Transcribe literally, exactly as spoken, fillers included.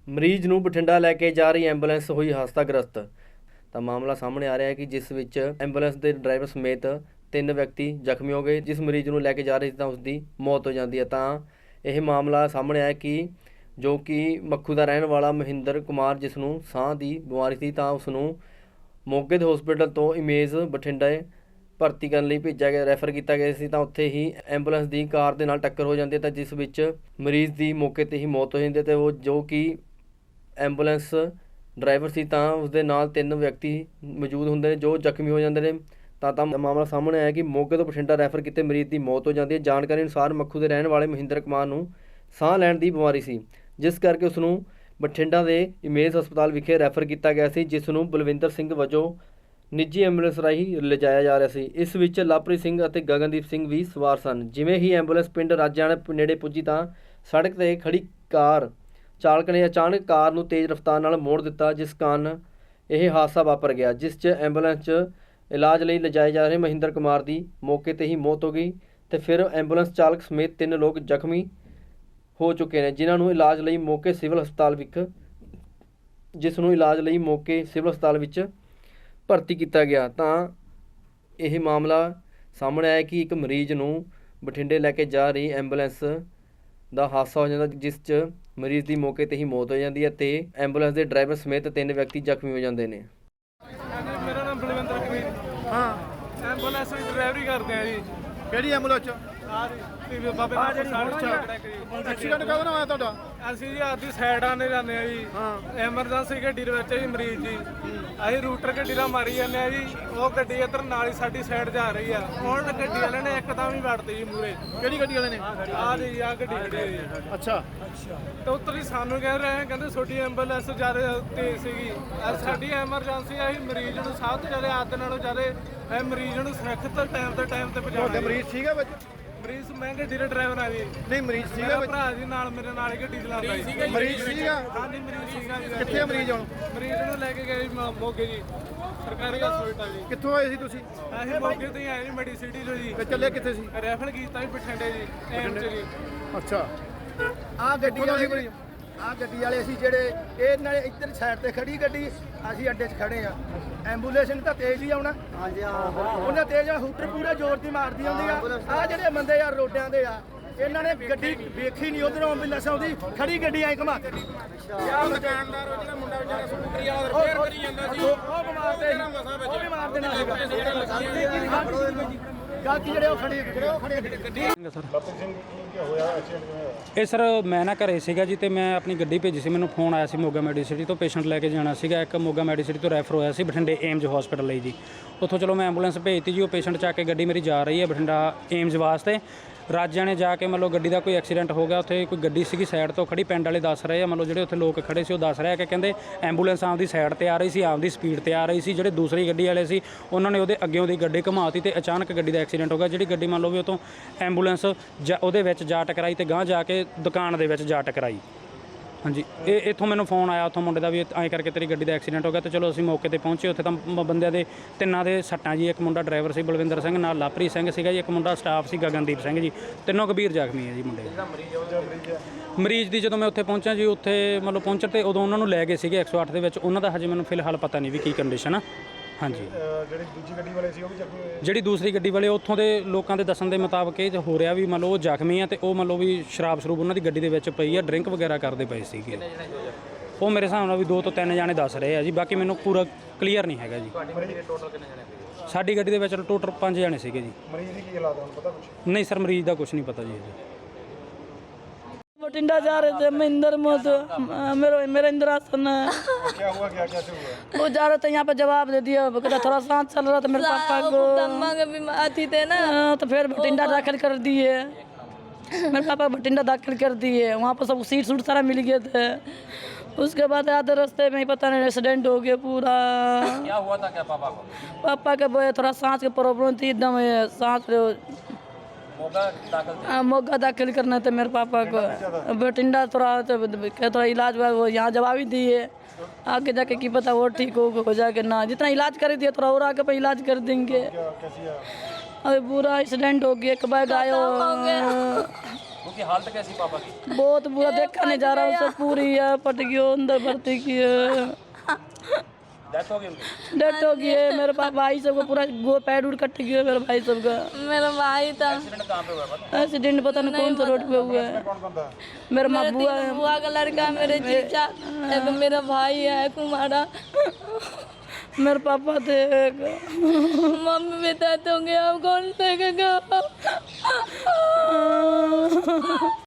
ਮਰੀਜ਼ ਨੂੰ ਬਠਿੰਡਾ ਲੈ ਕੇ ਜਾ ਰਹੀ ਐਂਬੂਲੈਂਸ ਹੋਈ ਹਾਦਸਾਗ੍ਰਸਤ। ਤਾਂ ਮਾਮਲਾ ਸਾਹਮਣੇ ਆ ਰਿਹਾ ਹੈ ਕਿ ਜਿਸ ਵਿੱਚ ਐਂਬੂਲੈਂਸ ਦੇ ਡਰਾਈਵਰ ਸਮੇਤ ਤਿੰਨ ਵਿਅਕਤੀ ਜ਼ਖਮੀ ਹੋ ਗਏ। ਜਿਸ ਮਰੀਜ਼ ਨੂੰ ਲੈ ਕੇ ਜਾ ਰਹੇ ਸੀ ਤਾਂ ਉਸ ਦੀ ਮੌਤ ਹੋ ਜਾਂਦੀ ਹੈ। ਤਾਂ ਇਹ ਮਾਮਲਾ ਸਾਹਮਣੇ ਆਇਆ ਕਿ ਜੋ ਕਿ ਮੱਖੂ ਦਾ ਰਹਿਣ ਵਾਲਾ ਮਹਿੰਦਰ ਕੁਮਾਰ, ਜਿਸ ਨੂੰ ਸਾਹ ਦੀ ਬਿਮਾਰੀ ਸੀ, ਤਾਂ ਉਸ ਨੂੰ ਮੋਗੇ ਦੇ ਹਸਪੀਟਲ ਤੋਂ ਇਮੇਜ ਬਠਿੰਡਾ ਭਰਤੀ ਕਰਨ ਲਈ ਭੇਜਿਆ ਗਿਆ, ਰੈਫਰ ਕੀਤਾ ਗਿਆ ਸੀ। ਤਾਂ ਉੱਥੇ ਹੀ ਐਂਬੂਲੈਂਸ ਦੀ ਕਾਰ ਦੇ ਨਾਲ ਟੱਕਰ ਹੋ ਜਾਂਦੀ ਹੈ, ਤਾਂ ਜਿਸ ਵਿੱਚ ਮਰੀਜ਼ ਦੀ ਮੌਕੇ 'ਤੇ ਹੀ ਮੌਤ ਹੋ ਜਾਂਦੀ ਹੈ। ਅਤੇ ਉਹ ਜੋ ਕਿ ਐਂਬੂਲੈਂਸ ਡਰਾਈਵਰ ਸੀ, ਤਾਂ ਉਸਦੇ ਨਾਲ ਤਿੰਨ ਵਿਅਕਤੀ ਮੌਜੂਦ ਹੁੰਦੇ ਨੇ ਜੋ ਜ਼ਖਮੀ ਹੋ ਜਾਂਦੇ ਨੇ। ਤਾਂ ਤਾਂ ਮਾਮਲਾ ਸਾਹਮਣੇ ਆਇਆ ਕਿ ਮੋਗੇ ਤੋਂ ਬਠਿੰਡਾ ਰੈਫਰ ਕੀਤੇ ਮਰੀਜ਼ ਦੀ ਮੌਤ ਹੋ ਜਾਂਦੀ ਹੈ। ਜਾਣਕਾਰੀ ਅਨੁਸਾਰ ਮੱਖੂ ਦੇ ਰਹਿਣ ਵਾਲੇ ਮਹਿੰਦਰ ਕੁਮਾਰ ਨੂੰ ਸਾਹ ਲੈਣ ਦੀ ਬਿਮਾਰੀ ਸੀ, ਜਿਸ ਕਰਕੇ ਉਸ ਨੂੰ ਬਠਿੰਡਾ ਦੇ ਇਮੇਜ ਹਸਪਤਾਲ ਵਿਖੇ ਰੈਫਰ ਕੀਤਾ ਗਿਆ ਸੀ, ਜਿਸ ਨੂੰ ਬਲਵਿੰਦਰ ਸਿੰਘ ਵਜੋਂ ਨਿੱਜੀ ਐਂਬੂਲੈਂਸ ਰਾਹੀਂ ਲਿਜਾਇਆ ਜਾ ਰਿਹਾ ਸੀ। ਇਸ ਵਿੱਚ ਲਵਪ੍ਰੀਤ ਸਿੰਘ ਅਤੇ ਗਗਨਦੀਪ ਸਿੰਘ ਵੀ ਸਵਾਰ ਸਨ। ਜਿਵੇਂ ਹੀ ਐਂਬੂਲੈਂਸ ਪਿੰਡ ਰਾਜਿਆਣਾ ਨੇੜੇ ਪੁੱਜੀ ਤਾਂ ਸੜਕ 'ਤੇ ਖੜੀ ਕਾਰ ਚਾਲਕ ਨੇ ਅਚਾਨਕ ਕਾਰ ਨੂੰ ਤੇਜ਼ ਰਫ਼ਤਾਰ ਨਾਲ ਮੋੜ ਦਿੱਤਾ, ਜਿਸ ਕਾਰਨ ਇਹ ਹਾਦਸਾ ਵਾਪਰ ਗਿਆ, ਜਿਸ 'ਚ ਐਂਬੂਲੈਂਸ 'ਚ ਇਲਾਜ ਲਈ ਲਿਜਾਏ ਜਾ ਰਹੇ ਮਹਿੰਦਰ ਕੁਮਾਰ ਦੀ ਮੌਕੇ 'ਤੇ ਹੀ ਮੌਤ ਹੋ ਗਈ। ਅਤੇ ਫਿਰ ਐਂਬੂਲੈਂਸ ਚਾਲਕ ਸਮੇਤ ਤਿੰਨ ਲੋਕ ਜ਼ਖਮੀ ਹੋ ਚੁੱਕੇ ਨੇ, ਜਿਨ੍ਹਾਂ ਨੂੰ ਇਲਾਜ ਲਈ ਮੌਕੇ ਸਿਵਲ ਹਸਪਤਾਲ ਵਿੱਚ ਜਿਸ ਨੂੰ ਇਲਾਜ ਲਈ ਮੌਕੇ ਸਿਵਲ ਹਸਪਤਾਲ ਵਿੱਚ ਭਰਤੀ ਕੀਤਾ ਗਿਆ। ਤਾਂ ਇਹ ਮਾਮਲਾ ਸਾਹਮਣੇ ਆਇਆ ਕਿ ਇੱਕ ਮਰੀਜ਼ ਨੂੰ ਬਠਿੰਡੇ ਲੈ ਕੇ ਜਾ ਰਹੀ ਐਂਬੂਲੈਂਸ ਦਾ ਹਾਦਸਾ ਹੋ ਜਾਂਦਾ, ਜਿਸ 'ਚ ਮਰੀਜ਼ ਦੀ ਮੌਕੇ 'ਤੇ ਹੀ ਮੌਤ ਹੋ ਜਾਂਦੀ ਹੈ ਅਤੇ ਐਂਬੂਲੈਂਸ ਦੇ ਡਰਾਈਵਰ ਸਮੇਤ ਤਿੰਨ ਵਿਅਕਤੀ ਜ਼ਖਮੀ ਹੋ ਜਾਂਦੇ ਨੇ। ਮੇਰਾ ਨਾਮ ਬਲਵਿੰਦਰ ਕਮੀਰ। ਹਾਂ, ਐਂਬੂਲੈਂਸ ਦੀ ਡਰਾਈਵਰੀ ਕਰਦੇ ਆ ਜੀ। ਕਿਹੜੀ ਐਂਬੂਲੈਂਸ ਚ? ਆ ਜੀ ਬਾਬੇ ਦਾ ਐਕਸੀਡੈਂਟ ਕਦੋਂ ਹੋਇਆ ਤੁਹਾਡਾ? ਅਸੀਂ ਜੀ ਆਦੀ ਸਾਈਡ ਆਨੇ ਜਾਂਦੇ ਆ ਜੀ। ਐਮਰਜੈਂਸੀ ਗੱਡੀ ਦੇ ਵਿੱਚ ਜੀ ਮਰੀਜ਼ ਜੀ, ਅਸੀਂ ਰੂਟਰ ਗੱਡੀ ਦਾ ਮਾਰੀ ਜਾਂਦੇ ਆ ਜੀ। ਉਹ ਗੱਡੀ ਇੱਧਰ ਨਾਲ ਹੀ ਸਾਡੀ ਸਾਈਡ ਜਾ ਰਹੀ ਆ। ਹੁਣ ਗੱਡੀ ਵਾਲੇ ਨੇ ਇੱਕਦਮ ਹੀ ਵੜਤੀ ਜੀ ਮੂਰੇ। ਕਿਹੜੀ ਗੱਡੀ ਵਾਲੇ ਨੇ? ਆ ਜੀ ਆ ਗੱਡੀ ਖੜੀ ਹੈ ਜੀ। ਅੱਛਾ, ਤੇ ਉੱਤਰ ਹੀ ਸਾਨੂੰ ਕਹਿ ਰਹੇ ਕਹਿੰਦੇ ਤੁਹਾਡੀ ਐਂਬੂਲੈਂਸ ਜ਼ਿਆਦਾ ਤੇਜ਼ ਸੀਗੀ। ਸਾਡੀ ਐਮਰਜੈਂਸੀ ਆ, ਅਸੀਂ ਮਰੀਜ਼ ਨੂੰ ਸਭ ਤੋਂ ਜ਼ਿਆਦਾ ਆਦਤ ਨਾਲੋਂ ਜ਼ਿਆਦਾ ਇਹ ਮਰੀਜ਼ ਨੂੰ ਸੁਰੱਖਿਅਤ ਟਾਈਮ ਤੇ ਟਾਈਮ ਤੇ ਪਹੁੰਚਾਉਣਾ। ਤੁਹਾਡੇ ਮਰੀਜ਼ ਸੀਗਾ ਵਿੱਚ? ਮਰੀਜ਼ ਮੈਂ ਗੱਡੀ ਦਾ ਡਰਾਈਵਰ ਆ ਜੀ। ਨਹੀਂ, ਮਰੀਜ਼ ਸੀਗਾ ਮੇਰਾ ਵਿੱਚ? ਭਰਾ ਜੀ ਨਾਲ ਮੇਰੇ ਨਾਲ ਹੀ ਗੱਡੀ ਚਲਾਉਂਦਾ ਜੀ। ਮਰੀਜ਼ ਸੀਗਾ? ਹਾਂਜੀ ਮਰੀਜ਼ ਸੀਗਾ ਜੀ। ਕਿੱਥੇ ਆ ਮਰੀਜ਼ ਹੁਣ? ਮਰੀਜ਼ ਨੂੰ ਲੈ ਕੇ ਗਏ ਜੀ ਮ- ਮੋਗੇ ਜੀ, ਸਰਕਾਰੀ ਹਸਪਤਾਲ ਜੀ। ਕਿੱਥੋਂ ਆਏ ਸੀ ਤੁਸੀਂ? ਅਸੀਂ ਮੋਗੇ ਤੋਂ ਹੀ ਆਏ ਜੀ, ਮੈਡੀ ਸਿਟੀ ਤੋਂ ਜੀ। ਤੇ ਚੱਲੇ ਕਿੱਥੇ ਸੀ? ਰੈਫਰ ਕੀਤਾ ਜੀ ਬਠਿੰਡੇ ਜੀ, ਐਮ ਚ ਜੀ। ਅੱਛਾ, ਆ ਗੱਡੀ ਵਾਲੇ ਆ ਗੱਡੀ ਵਾਲੇ ਅਸੀਂ ਜਿਹੜੇ ਇਹ ਨਾਲੇ ਇੱਧਰ ਸਾਈਡ ਤੇ ਖੜੀ ਗੱਡੀ, ਅਸੀਂ ਅੱਡੇ 'ਚ ਖੜੇ ਆ। ਐਂਬੂਲੈਂਸ ਨੇ ਤਾਂ ਤੇਜ਼ ਹੀ ਆਉਣਾ। ਹਾਂਜੀ ਹਾਂ, ਉਹਨੇ ਤੇਜ਼ ਆ, ਹੂਟਰ ਪੂਰੇ ਜ਼ੋਰ ਦੀ ਮਾਰਦੀ ਆਉਂਦੀ ਆ। ਆ ਜਿਹੜੇ ਬੰਦੇ ਯਾਰ ਰੋਡਿਆਂ ਦੇ ਆ, ਇਹਨਾਂ ਨੇ ਗੱਡੀ ਵੇਖੀ ਨਹੀਂ, ਉਧਰੋਂ ਐਂਬੂਲੈਂਸ ਆਉਂਦੀ, ਖੜੀ ਗੱਡੀ ਐਂ ਘੁਮਾ ਦਿੱਤੀ। ਯਾਰ ਦੁਕਾਨਦਾਰ ਉਹ ਜਿਹੜਾ ਮੁੰਡਾ ਵਿਚਾਰਾ ਸਕੂਟਰੀ ਵਾਲਾ ਰਿਪੇਅਰ ਕਰੀ ਜਾਂਦਾ ਸੀ, ਉਹ ਬਿਮਾਰ ਤੇ ਉਹ ਵੀ ਮਾਰ ਦੇਣਾ ਸੀਗਾ। ਗਾਕੀ ਜਿਹੜੇ ਉਹ ਖੜੀ ਜਿਹੜੇ ਉਹ ਖੜੀ ਗੱਡੀ ਇਹ ਸਰ ਮੈਂ ਨਾ ਘਰੇ ਸੀਗਾ ਜੀ, ਤੇ ਮੈਂ ਆਪਣੀ ਗੱਡੀ ਭੇਜੀ ਸੀ। ਮੈਨੂੰ ਫੋਨ ਆਇਆ ਸੀ ਮੋਗਾ ਮੈਡੀਸਿਟੀ ਤੋਂ, ਪੇਸ਼ੈਂਟ ਲੈ ਕੇ ਜਾਣਾ ਸੀਗਾ। ਇੱਕ ਮੋਗਾ ਮੈਡੀਸਿਟੀ ਤੋਂ ਰੈਫਰ ਹੋਇਆ ਸੀ ਬਠਿੰਡੇ ਏਮਜ ਹਸਪੀਟਲ ਲਈ ਜੀ। ਉੱਥੋਂ ਚਲੋ ਮੈਂ ਐਂਬੂਲੈਂਸ ਭੇਜਤੀ ਜੀ। ਉਹ ਪੇਸ਼ੈਂਟ ਚੱਕ ਕੇ ਗੱਡੀ ਮੇਰੀ ਜਾ ਰਹੀ ਹੈ ਬਠਿੰਡਾ ਏਮਜ ਵਾਸਤੇ। ਰਾਜਿਆਂ ਨੇ ਜਾ ਕੇ ਮਤਲਬ ਗੱਡੀ ਦਾ ਕੋਈ ਐਕਸੀਡੈਂਟ ਹੋ ਗਿਆ। ਉੱਥੇ ਕੋਈ ਗੱਡੀ ਸੀਗੀ ਸਾਈਡ ਤੋਂ ਖੜੀ, ਪਿੰਡ ਵਾਲੇ ਦੱਸ ਰਹੇ ਆ, ਮਤਲਬ ਜਿਹੜੇ ਉੱਥੇ ਲੋਕ ਖੜੇ ਸੀ ਉਹ ਦੱਸ ਰਹੇ ਆ ਕਿ ਕਹਿੰਦੇ ਐਂਬੂਲੈਂਸ ਆਪਦੀ ਸਾਈਡ ਤੇ ਆ ਰਹੀ ਸੀ, ਆਪਦੀ ਸਪੀਡ ਤੇ ਆ ਰਹੀ ਸੀ। ਜਿਹੜੇ ਦੂਸਰੀ ਗੱਡੀ ਵਾਲੇ ਸੀ ਉਹਨਾਂ ਨੇ ਉਹਦੇ ਅੱਗੇੋਂ ਦੀ ਗੱਡੀ ਘੁਮਾਤੀ ਤੇ ਅਚਾਨਕ ਗੱਡੀ ਦਾ ਐਕਸੀਡੈਂਟ ਹੋ ਗਿਆ। ਜਿਹੜੀ ਗੱਡੀ ਮੰਨ ਲਓ ਵੀ ਉਹ ਤੋਂ ਐਂਬੂਲੈਂਸ ਜਾਂ ਉਹਦੇ ਵਿੱਚ ਜਾ ਟਕਰਾਈ ਤੇ ਗਾਂਹ ਜਾ ਕੇ ਦੁਕਾਨ ਦੇ ਵਿੱਚ ਜਾ ਟਕਰਾਈ। ਹਾਂਜੀ, ਇਹ ਇੱਥੋਂ ਮੈਨੂੰ ਫੋਨ ਆਇਆ ਉੱਥੋਂ ਮੁੰਡੇ ਦਾ ਵੀ ਐਂ ਕਰਕੇ ਤੇਰੀ ਗੱਡੀ ਦਾ ਐਕਸੀਡੈਂਟ ਹੋ ਗਿਆ। ਤੇ ਚਲੋ ਅਸੀਂ ਮੌਕੇ ਤੇ ਪਹੁੰਚੇ। ਉੱਥੇ ਤਾਂ ਮ- ਬੰਦਿਆਂ ਦੇ ਤਿੰਨਾਂ ਦੇ ਸੱਟਾਂ ਜੀ। ਇੱਕ ਮੁੰਡਾ ਡਰਾਈਵਰ ਸੀ ਬਲਵਿੰਦਰ ਸਿੰਘ, ਨਾਲ ਲਵਪ੍ਰੀਤ ਸਿੰਘ ਸੀਗਾ ਜੀ। ਇੱਕ ਮੁੰਡਾ ਸਟਾਫ ਸੀ ਗਗਨਦੀਪ ਸਿੰਘ ਜੀ। ਤਿੰਨੋਂ ਗੰਭੀਰ ਜ਼ਖਮੀ ਹੈ ਜੀ ਮੁੰਡੇ। ਮਰੀਜ਼ ਦੀ ਜਦੋਂ ਮੈਂ ਉੱਥੇ ਪਹੁੰਚਿਆ ਜੀ, ਉੱਥੇ ਮਤਲਬ ਪਹੁੰਚਣ ਤੇ ਉਦੋਂ ਉਹਨਾਂ ਨੂੰ ਲੈ ਗਏ ਸੀਗੇ ਇੱਕ ਸੌ ਅੱਠ ਦੇ ਵਿੱਚ। ਉਹਨਾਂ ਦਾ ਹਜੇ ਮੈਨੂੰ ਫਿਲਹਾਲ ਪਤਾ ਨਹੀਂ ਵੀ ਕੀ ਕੰਡੀਸ਼ਨ ਆ। ਹਾਂਜੀ, ਜਿਹੜੀ ਦੂਜੀ ਗੱਡੀ ਵਾਲੇ ਸੀ ਉਹ ਵੀ ਜ਼ਖਮੀ ਹੋਏ? ਜਿਹੜੀ ਦੂਸਰੀ ਗੱਡੀ ਵਾਲੇ ਉੱਥੋਂ ਦੇ ਲੋਕਾਂ ਦੇ ਦੱਸਣ ਦੇ ਮੁਤਾਬਕ ਇਹ ਹੋ ਰਿਹਾ ਵੀ ਮੰਨ ਲਓ ਉਹ ਜ਼ਖਮੀ ਆ ਤੇ ਉਹ ਮੰਨ ਲਓ ਵੀ ਸ਼ਰਾਬ ਸ਼ਰੂਬ ਉਹਨਾਂ ਦੀ ਗੱਡੀ ਦੇ ਵਿੱਚ ਪਈ ਆ, ਡਰਿੰਕ ਵਗੈਰਾ ਕਰਦੇ ਪਏ ਸੀਗੇ। ਉਹ ਮੇਰੇ ਹਿਸਾਬ ਨਾਲ ਵੀ ਦੋ ਤੋਂ ਤਿੰਨ ਜਾਣੇ ਦੱਸ ਰਹੇ ਆ ਜੀ, ਬਾਕੀ ਮੈਨੂੰ ਪੂਰਾ ਕਲੀਅਰ ਨਹੀਂ ਹੈਗਾ ਜੀ। ਸਾਡੀ ਗੱਡੀ ਦੇ ਵਿੱਚ ਟੋਟਲ ਪੰਜ ਜਾਣੇ ਸੀਗੇ ਜੀ। ਮਰੀਜ਼ ਦੀ ਕੀ ਹਾਲਾਤ ਹੁਣ ਪਤਾ ਕੁਛ? ਨਹੀਂ ਸਰ, ਮਰੀਜ਼ ਦਾ ਕੁਝ ਨਹੀਂ ਪਤਾ ਜੀ ਅਜੇ। बठिंडा जा रहे थे, महेंद्र मोत मेरे मेरा इंदिरासन है। क्या हुआ? क्या कैसे हुआ? वो जा रहे थे, यहाँ पे जवाब दे दिया, कहता थोड़ा सांस चल रहा था मेरे पापा को, अम्मा के बीमार थी थे ना, तो फिर बठिंडा दाखिल कर दिए। मेरे पापा बठिंडा दाखिल कर दिए। वहाँ पर सब सीट सूट सारा मिल गए थे। उसके बाद आधे रास्ते में ही पता नहीं एक्सीडेंट हो गया पूरा। क्या हुआ था क्या पापा को? पापा के वो थोड़ा सांस की प्रॉब्लम थी, एकदम सांस हाँ, मोगा दाखिल करना था मेरे पापा को। बठिंडा थोड़ा थोड़ा इलाज हुआ, वो यहाँ जवाब ही दिए। आगे जाके की पता वो ठीक हो हो जाके ना, जितना इलाज कर दिए थोड़ा और आगे पे इलाज कर देंगे। अभी पूरा एक्सीडेंट हो गया, एक बार आयो उनकी हालत कैसी पापा की? बहुत बुरा, देखा नहीं जा रहा उससे, पूरी है पट गई, अंदर भर्ती की है, डेथ हो गई उनकी? डेथ हो गई है। मेरे पास भाई सबको पूरा गो पैर उड़ कट गया मेरे भाई सबका। मेरा भाई था। एक्सीडेंट कहाँ पे हुआ है पता? एक्सीडेंट पता नहीं कौन सा रोड पे हुआ है। मेरा माँ बुआ है, बुआ का लड़का, मेरे जीजा, एक मेरा भाई है कुमारा, मेरे पापा थे एक। मम्मी भी तो होंगे, अब कौन देखेगा?